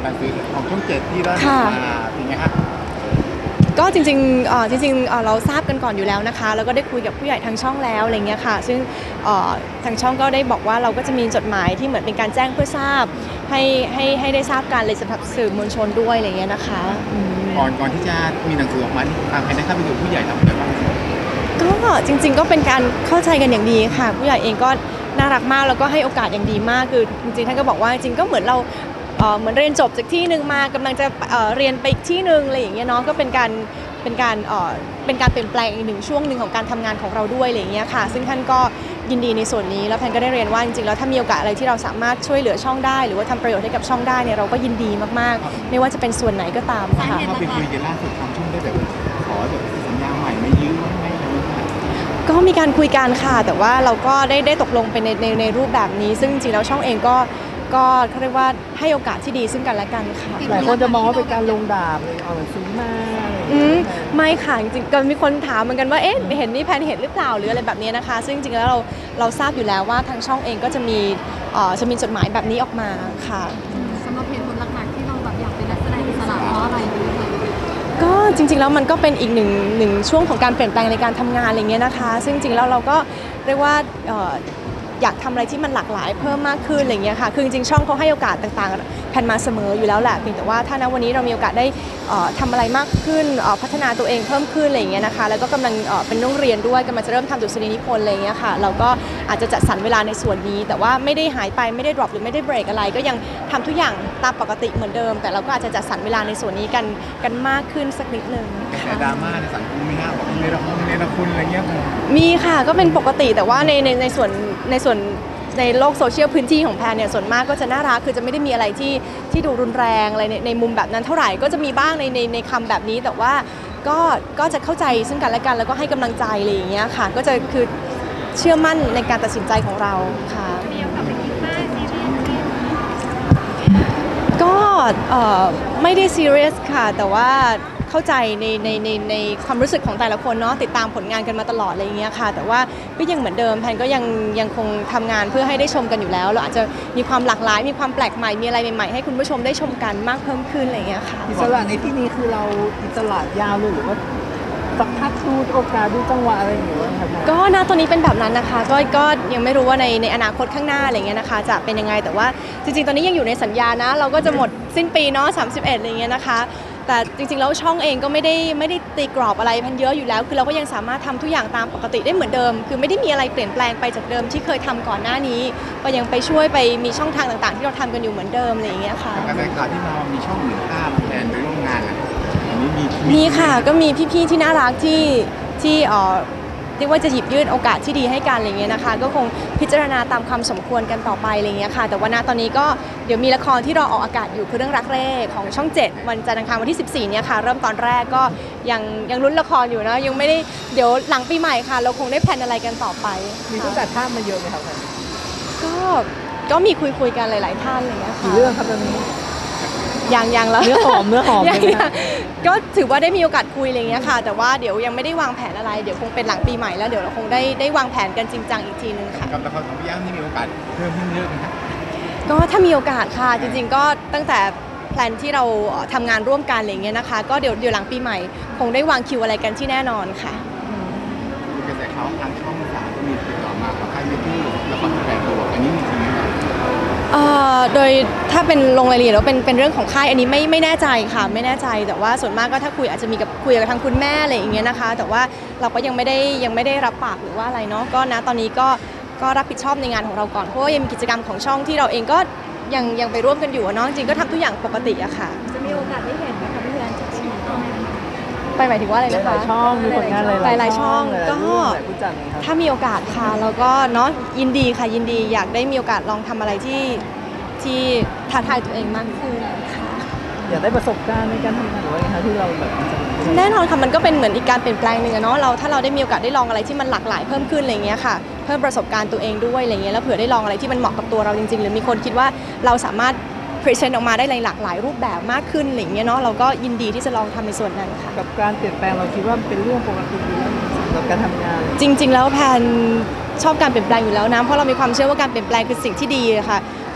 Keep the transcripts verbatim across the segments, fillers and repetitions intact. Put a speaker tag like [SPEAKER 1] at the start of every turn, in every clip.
[SPEAKER 1] การซื้อของช่องเจ็ดที่ได้มาเป็นไงฮะ
[SPEAKER 2] ก็จริงๆเอ่อจริงๆเอ่อเราทราบกันก่อนอยู่แล้วนะคะแล้วก็ได้คุยกับผู้ใหญ่ทางช่องแล้วอะไรเงี้ยค่ะซึ่งเอ่อทางช่องก็ได้บอกว่าเราก็จะมีจดหมายที่เหมือนเป็นการแจ้งเพื่อทราบให้ให้ให้ได้ทราบการเลยสำหรับสื่อมวลชนด้วยอะไรเงี้ยนะคะ
[SPEAKER 1] ก่อนก่อนที่จะมีหนังสือออกมาทางใครได้เข้าไปดูผู้ใหญ่ทำอะไรบ้าง
[SPEAKER 2] ก็จริงๆก็เป็นการเข้าใจกันอย่างดีค่ะผู้ใหญ่เองก็น่ารักมากแล้วก็ให้โอกาสอย่างดีมากคือจริงๆท่านก็บอกว่าจริงๆก็เหมือนเราเหมือนเรียนจบจากที่หนึ่งมากำลังจะเรียนไปอีกที่หนึ่งอะไรอย่างเงี้ยเนาะก็เป็นการเป็นการเป็นการเปลี่ยนแปลงอีกหนึ่งช่วงหนึ่งของการทำงานของเราด้วยอะไรอย่างเงี้ยค่ะซึ่งท่านก็ยินดีในส่วนนี้แล้วแพนก็ได้เรียนว่าจริงๆแล้วถ้ามีโอกาสอะไรที่เราสามารถช่วยเหลือช่องได้หรือว่าทำประโยชน์ให้กับช่องได้เนี่ยเราก็ยินดีมากๆไม่ว่าจะเป็นส่วนไหนก็ตามค่ะ
[SPEAKER 1] เข้าไปคุยกันล่าสุดทางช่องได้แบบขอแบบสัญญาใหม่ไม่ยื้อไม่อะไรไม่ได้
[SPEAKER 2] ก็มีการคุยกันค่ะแต่ว่าเราก็ได้ได้ตกลงไปในในในรูปแบบนี้ซึ่งจริงๆแล้วช่องเองก็ก็เขาเรียกว่าให้โอกาสที่ดีซึ่งกันและกันค่ะ
[SPEAKER 3] หลายคนจะมองว่าเป็นการลงดาบเลยเอาหนังสือมา
[SPEAKER 2] อืมไม่ค่ะจริงๆก็มีคนถามเหมือนกันว่าเอ๊ะเห็นนี่แพนเห็นหรือเปล่าหรืออะไรแบบนี้นะคะซึ่งจริงๆแล้วเราเราทราบอยู่แล้วว่าทางช่องเองก็จะมีเอ่อจะมีจดหมายแบบนี้ออกมาค่ะ
[SPEAKER 4] สำหรับเหตุผลหลักๆที่เราแบบอยากเป็นนักแสดงอิสระเพราะอะไร
[SPEAKER 2] ก็จริงๆแล้วมันก็เป็นอีกหนึ่งหนึ่งช่วงของการเปลี่ยนแปลงในการทำงานอะไรเงี้ยนะคะซึ่งจริงๆแล้วเราก็เรียกว่าอยากทำอะไรที่มันหลากหลายเพิ่มมากขึ้นอะไรเงี้ยค่ะคือจริงๆช่องเขาให้โอกาสต่างๆแพนมาเสมออยู่แล้วแหละเพียงแต่ว่าถ้าณวันนี้เรามีโอกาสได้ทำอะไรมากขึ้นพัฒนาตัวเองเพิ่มขึ้นอะไรเงี้ยนะคะแล้วก็กำลังเป็นน้องเรียนด้วยกำลังจะเริ่มทำดุษฎีนิพนธ์อะไรเงี้ยค่ะเราก็อาจจะจัดสรรเวลาในส่วนนี้แต่ว่าไม่ได้หายไปไม่ได้ drop หรือไม่ได้เบรกอะไรก็ยังทำทุกอย่างตามปกติเหมือนเดิมแต่เราก็อาจจะจัดสรรเวลาในส่วนนี้กันกันมากขึ้นสักนิดนึง
[SPEAKER 1] แต่ดราม่าในสังคมไม่น่าบอกในละครในละครอะไรเงี้ย
[SPEAKER 2] มีค่ะก็เป็นปกติแต่ว่าในในในส่วนในส่วนในโลกโซเชียลพื้นที่ของแพนเนี่ยส่วนมากก็จะน่ารักคือจะไม่ได้มีอะไรที่ที่ดูรุนแรงอะไรในในมุมแบบนั้นเท่าไหร่ก็จะมีบ้างในในในคำแบบนี้แต่ว่าก็ก็จะเข้าใจซึ่งกันและกันแล้วก็ให้กำลังใจอะไรอย่างเงี้ยค่ะก็จะคือเชื่อมั่นในการตัดสินใจของเราค่ะก็ไม่ได้ซีเรียสค่ะแต่ว่าเข้าใจในในในในความรู้สึกของแต่ละคนเนาะติดตามผลงานกันมาตลอดอะไรอย่างเงี้ยค่ะแต่ว่าก็ยังเหมือนเดิมแพนก็ยังยังคงทำงานเพื่อให้ได้ชมกันอยู่แล้วเราอาจจะมีความหลากหลายมีความแปลกใหม่มีอะไรใหม่ๆให้คุณผู้ชมได้ชมกันมากเพิ่มขึ้นอะไรอย่างเงี้ยค่ะ
[SPEAKER 3] อิสระในที่นี้คือเราอิสระยาวเลยหรือว่าสักพักดูโอกาสดูจังหวะอะไรอย่างเงี้ยครับ
[SPEAKER 2] ก็ณตอนนี้เป็นแบบนั้นนะคะก็ก็ยังไม่รู้ว่าในในอนาคตข้างหน้าอะไรเงี้ยนะคะจะเป็นยังไงแต่ว่าจริงๆตอนนี้ยังอยู่ในสัญญานะเราก็จะหมดสิ้นปีเนาะสามสิบเอ็ดอะไรเงี้ยนะคะแต่จริงๆแล้วช่องเองก็ไม่ได้ไม่ได้ตีกรอบอะไรพันเยอะอยู่แล้วคือเราก็ยังสามารถทำทุกอย่างตามปกติได้เหมือนเดิมคือไม่ได้มีอะไรเปลี่ยนแปลงไปจากเดิมที่เคยทำก่อนหน้านี้ก็ยังไปช่วยไปมีช่องทางต่างๆที่เราทำกันอยู่เหมือนเดิมอะไรอย่างเงี้ยค่ะ
[SPEAKER 1] กระแสข่าวที่มามีช่องหนึ่งภาพแทนไปร่วมงานอ่ะอันนี้มี
[SPEAKER 2] มีค่ะก็มีพี่ๆที่น่ารักที่ที่เอ่อเรียกว่าจะหยิบยื่นโอกาสที่ดีให้กันอะไรเงี้ยนะคะก็คงพิจารณาตามความสมควรกันต่อไปอะไรเงี้ยค่ะแต่ว่าณตอนนี้ก็เดี๋ยวมีละครที่รอออกอากาศอยู่คือเรื่องรักเร่ของช่องเจ็ดวันจันทร์อังคารวันที่สิบสี่เนี่ยค่ะเริ่มตอนแรกก็ยังยังลุ้นละครอยู่นะยังไม่ได้เดี๋ยวหลังปีใหม่ค่ะเราคงได้แพลนอะไรกันต่อไป
[SPEAKER 3] มีผู้จัดภาพมาเยอะไหมครับ
[SPEAKER 2] ก็ก็มีคุยคุยกันหลายๆท่านอะไรเงี้ยค่ะ
[SPEAKER 3] กี่เรื่องครับตอนนี้
[SPEAKER 2] ยังยังแล้ว
[SPEAKER 3] เนื้อหอมเนื้อหอม
[SPEAKER 2] ก็ถือว่าได้มีโอกาสคุยอะไรเงี้ยค่ะแต่ว่าเดี๋ยวยังไม่ได้วางแผนอะไรเดี๋ยวคงเป็นหลังปีใหม่แล้วเดี๋ยวเราคงได้ได้วางแผนกันจริงจังอีกทีนึงค่ะ
[SPEAKER 1] กับละครของพี่ย่างที่มีโอกาสเพิ่มขึ้นเยอะไหมครับ
[SPEAKER 2] ก็ถ้ามีโอกาสค่ะจริงๆก็ตั้งแต่แพลนที่เราทำงานร่วมกันอะไรเงี้ยนะคะก็เดี๋ยวเดี๋ยวหลังปีใหม่คงได้วางคิวอะไรกันที่แน่นอนค่ะ
[SPEAKER 1] กระแสข่าวทางช่องสามก็มีติดต่อมาขอให้ไม่พูดละครแสดงตัวอันนี้มีจริงไหมครับ
[SPEAKER 2] โดยถ้าเป็นลงรายละเอียดแล้วเป็นเป็นเรื่องของค่ายอันนี้ไม่ไม่แน่ใจค่ะไม่แน่ใจแต่ว่าส่วนมากก็ถ้าคุยอาจจะมีกับคุยกับทางคุณแม่อะไรอย่างเงี้ยนะคะแต่ว่าเราก็ยังไม่ได้ยังไม่ได้รับปากหรือว่าอะไรเนาะก็นะตอนนี้ก็ก็รับผิดชอบในงานของเราก่อนเพราะว่ายังมีกิจกรรมของช่องที่เราเองก็ยังยังไปร่วมกันอยู่เนาะจริงก็ทำทุกอย่างปกติอะค่ะ
[SPEAKER 4] จะมีโอกาสได้เห็นไหมคะพี่แอนจากช่อง
[SPEAKER 2] ไปหมายถึงว่าอะไรนะคะ
[SPEAKER 3] หลายช่องมีผลงานหลาย
[SPEAKER 2] ๆช่องก็ถ้ามีโอกาสค่ะแล้วก็เนาะยินดีค่ะยินดีอยากได้มีโอกาสลองทำอะไรที่ที่ท้าทายตัวเองมากขึ้นค่ะ
[SPEAKER 3] อยากได้ประสบการณ์ในการทำงานหรือว่าไงคะที่เราแบบ
[SPEAKER 2] แน่นอนค่ะมันก็เป็นเหมือนอีกการเปลี่ยนแปลงหนึ่งอะเนาะเราถ้าเราได้มีโอกาสได้ลองอะไรที่มันหลากหลายเพิ่มขึ้นอะไรเงี้ยค่ะเพิ่มประสบการณ์ตัวเองด้วยอะไรเงี้ยแล้วเผื่อได้ลองอะไรที่มันเหมาะกับตัวเราจริงๆหรือมีคนคิดว่าเราสามารถพรีเซนต์ออกมาได้หลากหลายรูปแบบมากขึ้นอะไรเงี้ยเนาะเราก็ยินดีที่จะลองทำในส่วนนั้นค่ะ
[SPEAKER 3] กับการเปลี่ยนแปลงเราคิดว่าเป็นเรื่องปกติอยู่แล้วสำหรับการทำงาน
[SPEAKER 2] จริงๆแล้วแพนชอบการเปลี่ยนแปลงอยู่แล้วนะเพราะเรามีความเชื่อว่าการเปลี่ยนแปลงคือสิ่งที่ดีค่ะค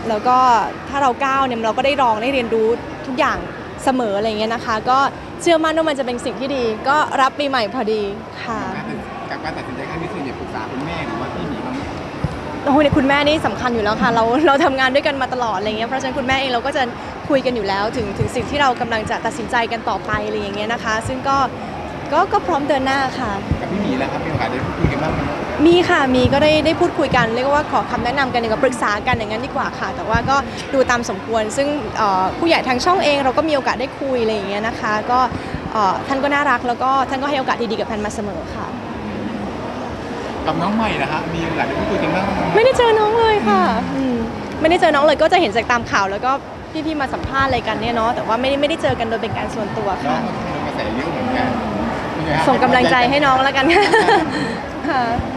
[SPEAKER 2] แล้วก็ถ้าเราก้าวเนี่ยเราก็ได้ลองได้เรียนรู้ทุกอย่างเสมออะไรเงี้ยนะคะ ก็เชื่อมั่นว่ามันจะเป็นสิ่งที่ดี ก็รับปีใหม่พอดีค่ะ
[SPEAKER 1] กับการตัดสินใจครั้งนี้คือเนี่ยปรึกษาคุณแม่หรือว่าพี่หมีบ้างไหม
[SPEAKER 2] โอ้โหเนี่ยคุณแม่นี่สำคัญอยู่แล้วค่ะเราเราทำงานด้วยกันมาตลอดอะไรเงี้ยเพราะฉะนั้นคุณแม่เองเราก็จะคุยกันอยู่แล้วถึงถึงสิ่งที่เรากำลังจะตัดสินใจกันต่อไปอะไรอย่างเงี้ยนะคะ ซึ่งก็ก็ก็พร้อมเดินหน้าค่ะ
[SPEAKER 1] กับพี่หมีแล้วครับมีโอกาสได้พูดคุยกันบ้างไหม
[SPEAKER 2] มีค่ะมีก็ได้ได้พูดคุยกันเรียกว่าขอคำแนะนำกันอย่างกับปรึกษากันอย่างนั้นดีกว่าค่ะ แต่ว่าก็ดูตามสมควร ซึ่งเอ่อผู้ใหญ่ทางช่องเองเราก็มีโอกาสได้คุยอะไรอย่างเงี้ยนะคะก็เอ่อท่านก็น่ารักแล้วก็ท่านก็ให้โอกาสดีๆกับแพนมาเสมอค่ะ
[SPEAKER 1] กับน้องใหม่นะฮะมีโอกาสได้พูดคุยกันบ้างไหม
[SPEAKER 2] ไม่ได้เจอน้องเลยค่ะอืมไม่ได้เจอน้องเลยก็จะเห็นจากตามข่าวแล้วก็พี่ๆมาสัมภาษณ์อะไรกันเนี่ยเนาะแต่ว่าไม่ได้ไม่ได้เจอกันโดยเป็นการส่วนตัว
[SPEAKER 1] น้อ
[SPEAKER 2] ค่ะ
[SPEAKER 1] งก็โดนกระแสเยอะเหมือนกันเป็นไงฮะ
[SPEAKER 2] ส่งกำลังใจให้น้องแล้วกันค่ะ